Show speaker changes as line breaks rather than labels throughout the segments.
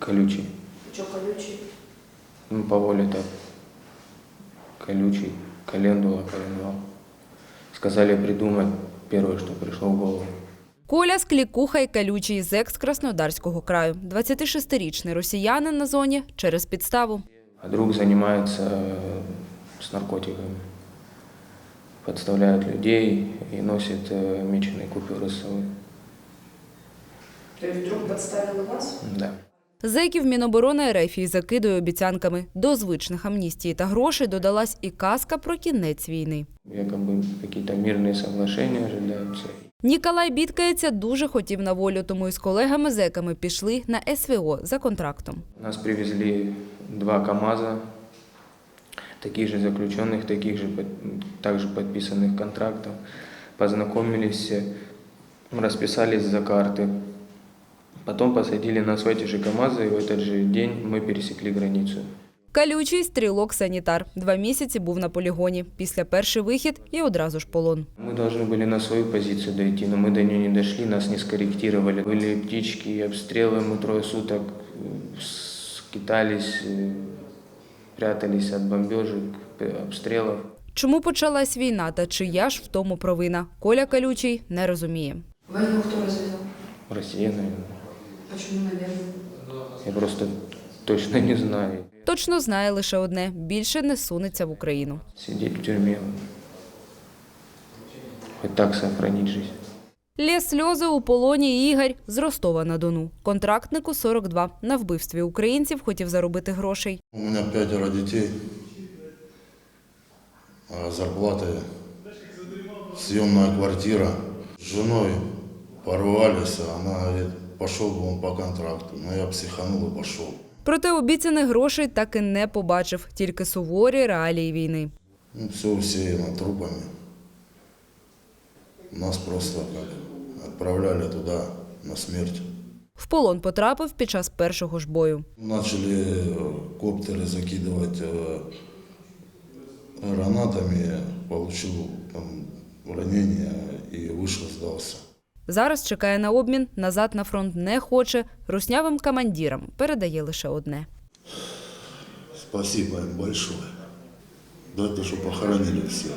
Колючий.
Что колючий?
Ну, по воле так. Колючий. Календула, коленвал. Сказали придумать первое, что пришло в голову.
Коля Склікуха й Колючий з екс-Краснодарського краю. 26-річний росіянин на зоні через підставу.
А друг занимается с наркотиками. Подставляет людей и носит меченые купюры с собой.
То есть вдруг подставил вас?
Да.
Зеків Міноборони РФ закидує обіцянками. До звичних амністії та грошей додалась і казка про кінець війни.
Якобы какие-то мирные соглашения ожидаются.
Ніколай бідкається, дуже хотів на волю, тому із колегами-зеками пішли на СВО за контрактом.
Нас привезли 2 КАМАЗа, таких же заключенных, также подписанных контрактов. Познакомились, расписались за карты. Потом посадили нас в эти же КАМАЗы, и в этот же день мы пересекли границу.
Колючий – стрілок-санітар. 2 місяці був на полігоні. Після перший вихід і одразу ж полон.
Мы должны были на свою позицию дойти, но мы до нее не дошли, нас не скорректировали. Были птички, обстрелы, мы 3 суток скитались, прятались от бомбежек, обстрелов.
Чому почалась війна та чия ж в тому провина? Коля Колючий не розуміє.
Войну кто развязал?
Россия, наверное.
Почему, наверное?
Я просто точно не знаю.
Точно знає лише одне – більше не сунеться в Україну.
Сидеть в тюрьме, хоть так сохранить жизнь.
Лє сльози у полоні Ігор з Ростова-на-Дону. Контрактнику 42. На вбивстві українців хотів заробити грошей.
У меня 5 детей, а зарплата, съемная квартира. С женой порвались, она говорит, пошел бы он по контракту. Но я психанул и пошел.
Проте обіцяних грошей так і не побачив. Тільки суворі реалії війни.
Ну, все усеяно трупами. Нас просто как отправляли туда на смерть.
В полон потрапив під час першого ж бою.
Начали коптеры закидывать гранатами, получил там ранение и вышел, сдался.
Зараз чекає на обмін, назад на фронт не хоче. Руснявим командирам передає лише одне.
Спасибо им большое. Да это что похоронили всех.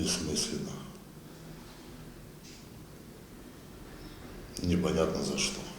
Бессмысленно. Непонятно за что.